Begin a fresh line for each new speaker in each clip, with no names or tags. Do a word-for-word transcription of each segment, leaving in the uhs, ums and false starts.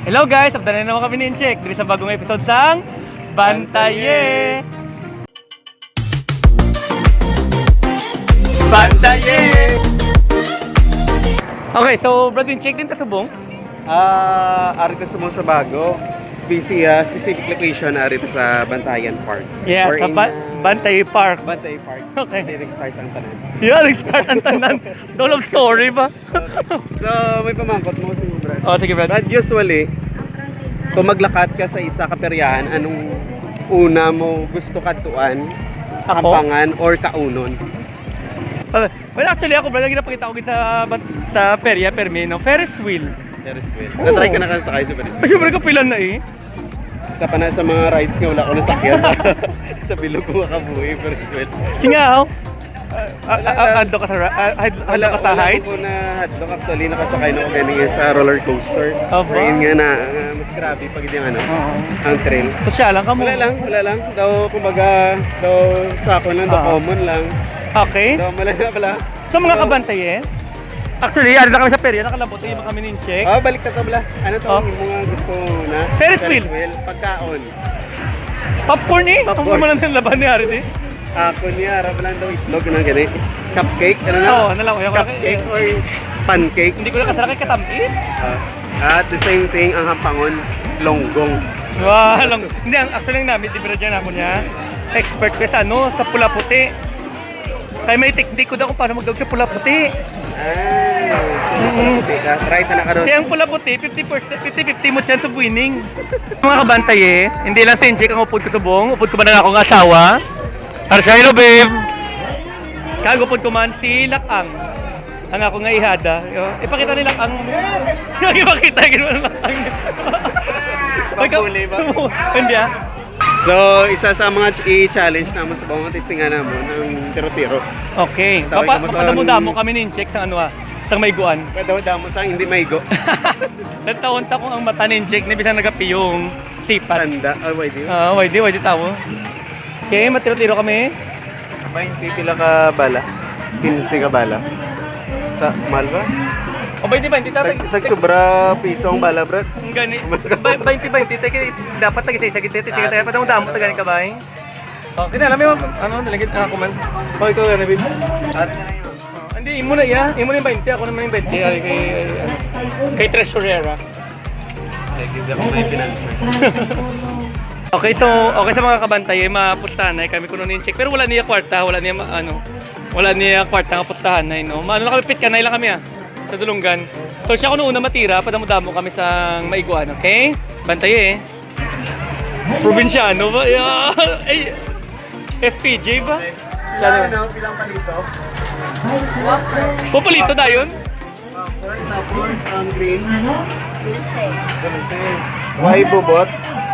Hello guys, update na naman kami ni Incheck dito sa bagong episode sang Bantaye! Bantaye! Okay, so Brad Incheck din ta subong?
Ah, ari ta sa bago. Speci uh, specific location ari ta sa Bantayan Park.
Yeah,
Or
sa
in,
ba-
uh,
Bantaye Park.
Bantayan Park.
Okay.
Direct start ang tanan.
Yeah, nag-start ang tanan. Don't love story ba?
So, may pamangkot mo si Brad.
Oh, sige Brad.
But usually, kung maglakat ka sa isa ka peryahan, anong una mo gusto katuan?
Ako?
Kampangan or kaunon?
Uh, well, actually ako Brad, ang ginapakita ko sa, sa perya, permino, Ferris wheel.
Ferris wheel. Na-try ka na kan sakay sa Ferris
Ay,
wheel?
syempre kapilan na eh.
Isa pa na sa mga rides nga wala ko nasakyan sa, sa bilog ko makabuhi Ferris wheel.
Hingaw. Uh, uh, ando ka sa ra- uh, ando
Wala,
ka sa
wala
height?
ko po na hadlock actually nakasakay na ko ganyan sa roller coaster.
Aba.
Ayun nga na uh, mas grabe pag yung ano,
Oo.
ang trail.
Sosyalan ka mo.
Wala lang, wala lang. Daw kumbaga, daw sako lang, daw
Ah.
common lang.
Okay.
Daw malala pala.
So mga
So,
kabantaye, actually, ano na kami sa perya, nakalabot yung kami ni Incheck.
Ah, balik ka to bala. Ano to
Oh.
yung mga gusto na?
Ferris wheel.
Pagkaon.
Popcorn eh. Ang
Popcorn.
kumalan ng laban ni Harit eh.
Ako niya, harap lang daw itlog na gani. Cupcake, ano na?
Oo, ano lang, ayaw ko lang-
Cupcake or pancake.
Hindi ko na kasara kay katampi.
Ah, at the same thing, ang hampangon, longgong.
Wow, lang. Hindi, ang actually ang namin, di ba dyan ako niya, expert ko sa ano, sa pula puti. Kaya may technique ko daw kung paano magdawag sa pula puti.
Ay,
Mm.
try ta na ka doon.
Kaya ang pula puti, fifty percent, fifty fifty mo chance of winning. Mga kabantaye, hindi lang si Incheck ang upod ko sa buong, upod ko man ang akong asawa. Arshaylo, babe! Kaya upod ko man si Lakang. Ang ako nga ihada. Yo, ipakita ni Lakang. Ipakita, gano'n Lakang.
Pagpuli ba?
Hindi ah.
So, isa sa mga i-challenge naman sa bawang testingan naman ang tiro-tiro.
Okay.
Tawag
Papa,
ka ba
papadamo-damo
doon?
kami ni Incheck sa ano ah, sa mayguan.
Kada mo sa hindi maigo.
Nagtaon-ta kong ang mata ni Incheck na bisang nagapiyong sipat.
Tanda. Oh, wait, yun.
Ah, why di, why di tawo. Okay, matiro-tiro kami.
twenty pila ka bala. fifteen ka bala. Ta, mahal ba?
O ba di ba, hindi
Tag,
tatag.
tag sobra piso ang bala, brad.
Ang gani. twenty twenty, teke dapat tag isa git teke tayo pa damo tag gani ka ba? Oh, kina alam mo ano nalagit ako man. Oh, ikaw na bib. At hindi imo na ya, imo na yung twenty, ako naman yung twenty ay kay kay Treasurera.
Hindi ako may financer.
Okay, so okay sa mga kabantay, mapustahan na kami kuno ni Incheck. Pero wala niya kwarta, wala niya ma- ano, wala niya kwarta nga pustahan na no. Maano na kami pit kanay lang kami ah sa Dulungan. So siya kuno una matira, padamo-damo kami sa Maiguan, okay? Bantaye eh. Probinsyano ba? Yeah. Ay, F P J ba? Siya na.
Ano, pilang palito?
Pupulito na yun?
Tapos, tapos, ang green.
Dulce.
Kasi, why bubot?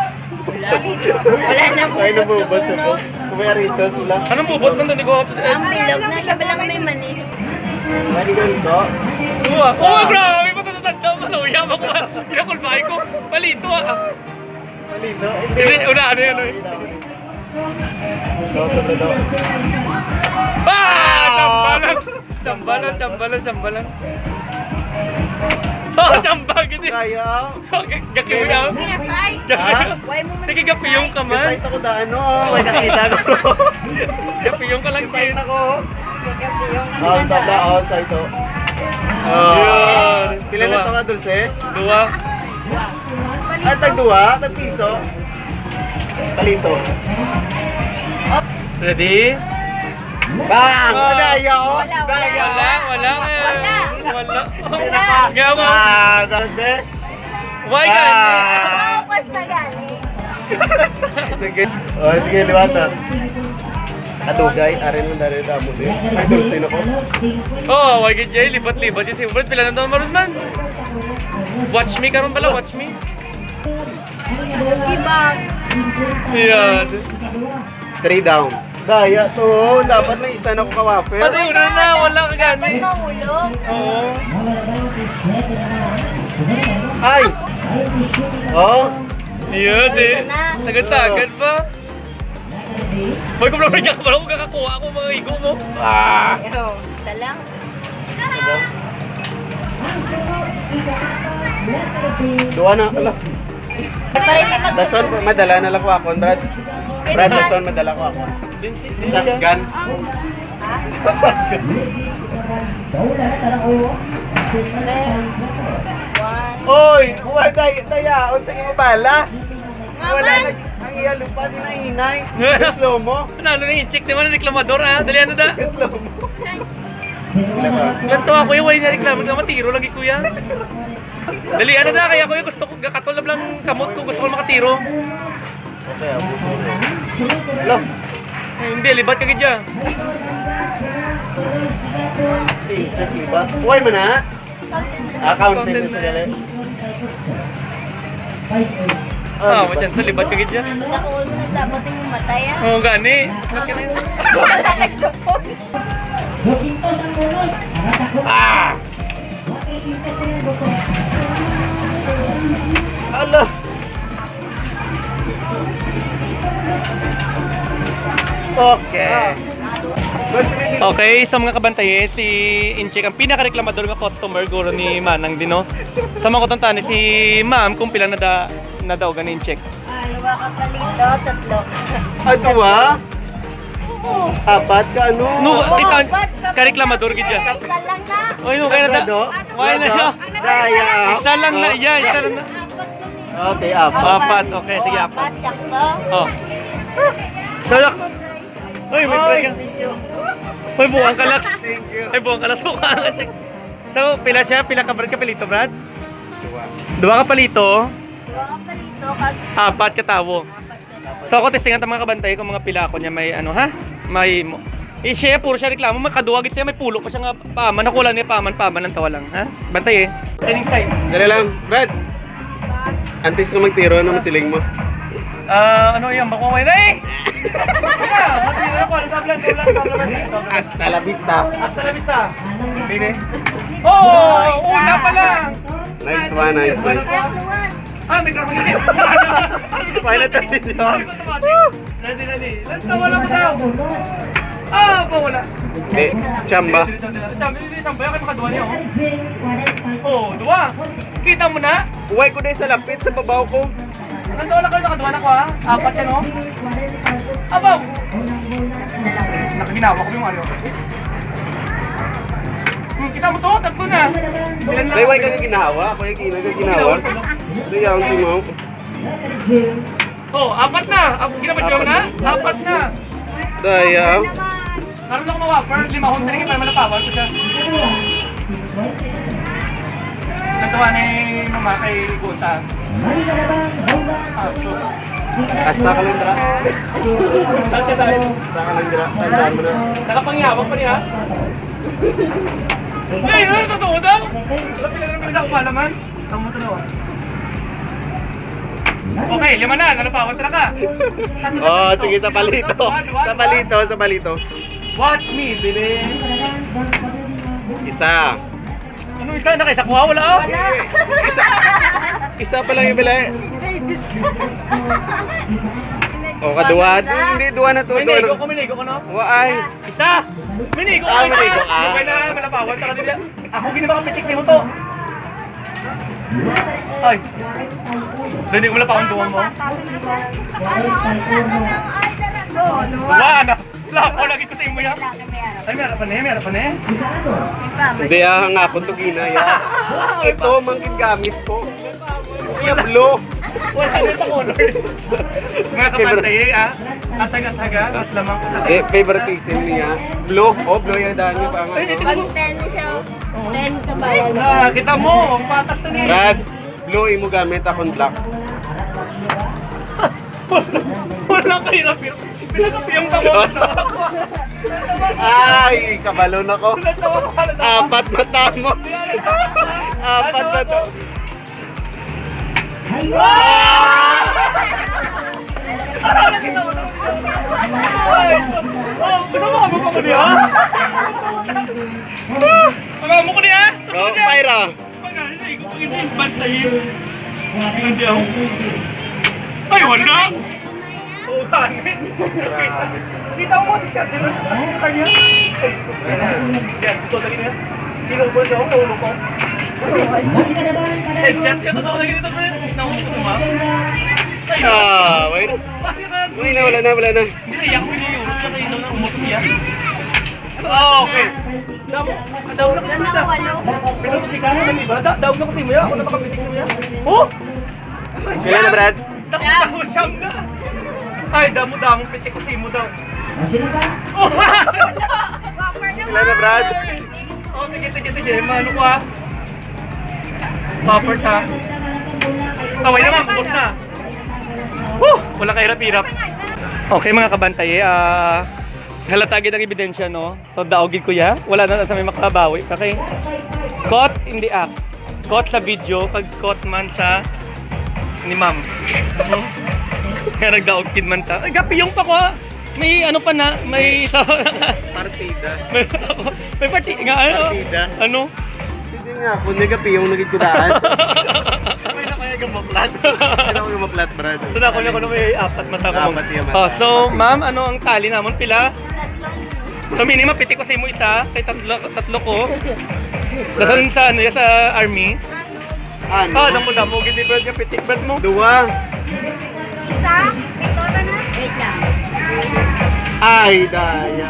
Wala na po.
Why na bubot sa po? Kumaya rito sila.
Anong bubot man doon? Di ko...
Ang bilog na siya balang may mani.
Why ganito?
Tuwa. Oh, grabe! Matatanda mo. Yaman ko. Inakulbahay ko. Palito ah.
Palito?
Hindi, una ano yun. eh.
Ito, ito, ito.
Ah! Chambalan! Chambalan, chambalan, chambalan. Oh, chambag! Hindi.
Kaya,
Gaki mo yan.
Ginasay.
Ha?
Why mo man
Sige, gapiyong ka man.
Kasayt ako da ano, oh. May nakita ko.
Gapiyong ka lang
Kasayt
sin.
ako.
Gagapiyong.
Oh, tada, oh, sa ito.
Yun.
Pila na ito ka, Dulce?
Dua.
Ah, tag duwa, tag piso. Palito.
Ready?
Bang!
Ah.
Daya, oh.
Wala, wala.
Daya.
Wala, wala eh.
Wala.
Wala.
Wala.
Gawa.
Ah, Dulce.
Why
Ah.
gani?
Tapos na gani.
Sige. Oh, sige, liwata. Kadugay, arin mo dali damo din. Ay, Dulce na ko.
Oh, why gid jay libat-libat yung favorite pila na daw maron man. Watch me karon pala, watch me.
Ibang.
Yan.
Three down. Daya to, dapat may isa na ko ka-wafer.
Pati una na, wala ka gani.
Mahulog.
Oo.
Ay! Oh!
Yun eh.
Ayun na.
Tagad-tagad pa. Boy, kung lang ka pala kung kakakuha ako mga igo mo.
Ah!
Yo, isa lang.
Duwa na, ala.
Para hindi mag...
Dason, madala na lang ko ako, Brad. Brad, dason, madala ko ako. Shotgun.
One.
Oy, buwan tayo, tayaon sa imo bala. Wala
Naman.
nag... Ang iya lupa, di na hinay. Slow mo.
Ano na yung check naman ang reklamador ha? Dali ano da?
Slow mo.
Ganto ako yung wala na reklamo ka matiro lagi kuya. Dali ano da kaya kuya gusto ko katulad lang kamot ko gusto ko makatiro.
Okay, abos mo. Hello.
Eh, hindi libat ka gidya.
Si, check liba. Buhay mo na. Accounting sa gali.
Ah, macam tu libat ka gidya.
Nakuha mo na dapat yung matay ah.
Oh gani. Bakit na?
Wala nagsupot.
Ah! Ala! Okay.
Okay, sa mga kabantaye, si Inchik ang pinaka-reklamador nga customer guro ni Manang Dino. Sa mga kutang si Ma'am kung pila na da na daw ganin check.
Dalawa ka palito, tatlo.
Ano ba?
Oo.
Apat ka ano?
No, kita
Ba't ka-
ka-reklamador gidya.
Isa lang na.
Oy, no kaya na da.
Sagrado?
Why na yo?
Daya.
Isa lang na, yeah, isa lang na.
Apat yun eh.
Okay, apat.
Apat, okay, sige
Oo,
apat.
Apat, tsakto.
Oh. Salak. Oy, may try ka.
Thank you.
Oy, buwang ka lang.
Thank you.
Ay, buwang ka lang. So, check. So, pila siya? Pila ka Brad ka palito, Brad? Dua ka palito,
Dalawa ka palito, kag...
apat ka tawo.
Apat ka.
So, ako testingan ta mga kabantay kung mga pila ko niya may ano ha? May mo. Eh, siya puro siya reklamo, makaduwag siya, may pulo pa siya nga paman, nakuha niya paman, paman ng tawa lang, ha? Bantay eh. Training side.
Dali lang, Brad. Antes ka magtiro ng masiling mo.
Ah, ano yan? Bakuway na eh! Kaya, matira ako, ano tablan, tablan, tablan, tablan.
Hasta la vista.
Hasta la vista. Bine. Oh, una pa lang.
Nice one, nice, nice.
Ah, may karma ganyan.
Pilot na si John.
Ready, ready. Let's go, wala mo daw. Ah, pa wala.
Eh, chamba.
Chamba, hindi chamba. Kaya makaduwa niya, oh. Oh, duwa. Kita mo na?
Uway ko na sa lapit sa babaw ko.
Nandun lang kayo, nakaduwa na ko, ha? Apat yan, oh. Abaw! Nakaginawa ko yung ano. Hmm, kita mo to, tatlo na. Ilan lang?
Ay, uway ka ginawa. Ako yung ginawa ginawa. Ito yung si mo.
Oh, apat na. Ap- Kinabadyo mo na? Apat na.
Daya.
Naroon ako mawapper, lima hong taringin para malapawan ko siya. Natawa ni mama kay Gunta. Ah, so.
Hasta ka lang dra.
Saan ka tayo?
Hasta ka lang dra. Tandaan mo na.
Nakapangyawag pa niya. Ay, ano, totoo daw? Wala pila na pinag ako malaman. Tama mo to Okay, lima na. Nalapawan tara ka.
Oh, sige sa palito. Sa palito, sa palito.
Watch me, baby.
Isa.
Ano isa? Nakaisa kuha? Wala ah.
Wala.
Isa. Isa pa lang yung bila. Oh, kaduwa. Hindi, duwa na to. Duwa
Minigo
na.
ko, minigo ko no?
Waay.
Isa! Minigo
Ah,
ka na!
minigo ka.
Okay na, malapawan sa kanila. Ako ginawa ka pitik mo to. Ay. Hindi ko malapawan duwang mo.
Oo, dua.
Duwa na! Lapo lagi ko sa imo yan.
Laki may araw.
Ay, meron pa na eh, meron pa na eh.
Iba, may-
Hindi, ah, nga ako to ginaya. Ito, mangkin gamit ko. Yablo.
Wala na sa color. Mga kapantay eh, ah. Ataga-taga, mas lamang ko sa
Eh, favoritism niya. Blue. Oh, blue yung daan niya pa nga.
Ay,
Pag ten siya, ten ka bayan.
Ah, kita mo, ang patas na niya.
Brad, blue imo gamit akong black.
Wala, wala kahirap yun. Pinagapiyang tamo ko sa ako.
Ay, kabalon ako.
Natawa ko pala na.
Apat mata mo. Apat na to.
Ano na kita mo? Ay, oh, gusto mo kamo ko niya? Kamo ko niya?
Oh, Pyra.
Pag-alay ko pag inibantayin. Hindi ako. Ay, wala. Utangin. Kita mo, di ka. Kanya. Yan, ito lagi niya. Sinubos ako, ulo ko. Headshot ka, totoo lagi dito, pre. Nakuha ko, ma'am.
Ah, wait.
Bakit ka?
Wait na, wala na, wala na.
Hindi na iyak ko yung Europe, tsaka yun na umot siya. Oh, okay. Daw, daw na kasi
Ganda
basta.
ko, ano?
Pero kasi ka na iba, da- daw na kasi mo yan. Ako na makapitik mo yan. Oh!
Kailan na, Brad?
Damo siyam na. Ay, damo-damo pitik ko si mo daw. Oh!
Bumper naman.
Kailan na, Brad?
Oh, sige, sige, sige. Mano ko ah. Buffer ta. Taway naman, bubot na. Woo! Wala kahirap-hirap. Okay mga kabantay, eh, ah... halata agad ang ebidensya, no? So, daogid ko ya. Wala na sa may makabawi. Okay? Caught in the act. Caught sa video, pag caught man sa ni ma'am. Hmm? Kaya nagdaogid man ta. Ay, gapiyong pa ko. ah. May ano pa na, may isa.
Partida.
may, may party nga ano?
Partida.
Ano?
Hindi nga, kung nagapi yung nagigkudaan. May na kaya gumaplat. Hindi na ako gumaplat, Brad.
So, na ako na ako na may apat mata ko.
Apat yung mata.
Oh, so, ma'am, ano ang tali namon pila? So, minimum, pitik ko sa imo isa, kay tatlo, tatlo ko. Dasan sa ano, ya, sa army.
Ano?
Ah, damo damo gid ni Brad nga pitik Brad mo.
Dua.
Isa? Ito na na? Wait lang.
Ay, daya.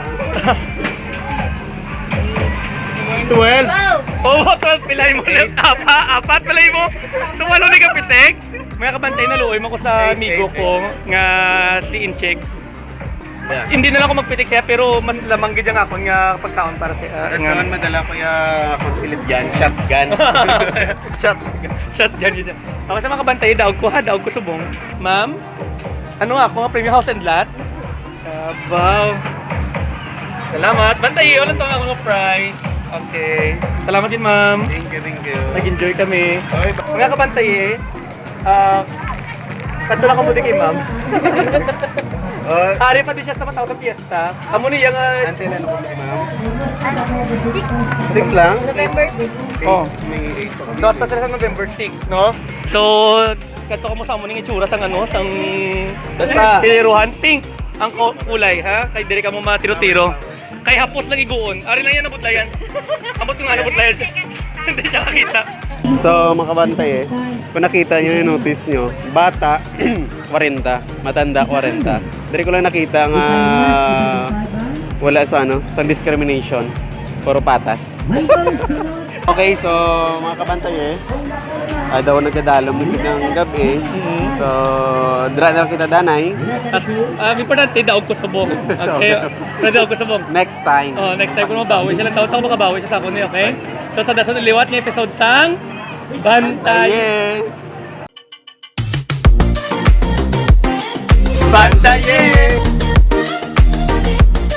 Twelve.
Wow!
Oh, twelve pilay mo lang. Apa, apat pilay mo. So, walo ni ka pitik. Mga kabantay na luoy mo ko sa
Eight,
amigo
eight,
ko nga si Incheck. Hindi na lang ako magpitik siya pero mas lamang gid ang ako nga pagkaon para sa uh,
Saan madala ko yung consulate dyan? Shotgun. Shotgun.
Shot dyan dyan. Ako sa mga kabantay, daog ko ha, daog ko subong. Ma'am, ano ako, premium house and lot? Abaw. Salamat. Bantay, ulit to ako ng prize. Okay. Salamat din, ma'am.
Thank you, thank you.
Nag-enjoy kami.
Oy,
Mga kabantay eh, ah, kanto lang ko muli kay ma'am.
Oh,
Hari pa din siya sa matawag sa piyesta. Amo niya nga,
ante na ako ni ma'am.
Ano? Six.
Six lang?
November six.
oh,
May eight pa kami.
so hasta sila sa November six, no? So, kanto ko mo sa amo ning itsura sang ano, sang
Basta.
tiniruhan. Pink ang ko- kulay, ha? Kay dire ka mo matiro-tiro. Kay hapos lang iguon. Ari lang yan nabutlayan. Ambot ko nga nabutlayan siya. Hindi siya nakita.
So, mga kabantay eh, kung nakita nyo yung notice nyo, bata, forty, matanda, forty. Dari ko lang nakita nga wala sa ano, sa discrimination, puro patas. Okay, so mga kabantay eh, ah, daw nagdadalaw mo ng gabi. So, dra na lang kita danay.
At uh, importante, daog ko subong. Okay? Pero daog ko subong.
Next time.
Oh, next time ko mabawi siya lang taon taon makabawi siya sa ako niya, okay? So sa dasan liwat ni episode sang Bantay.
Bantaye! Bantaye!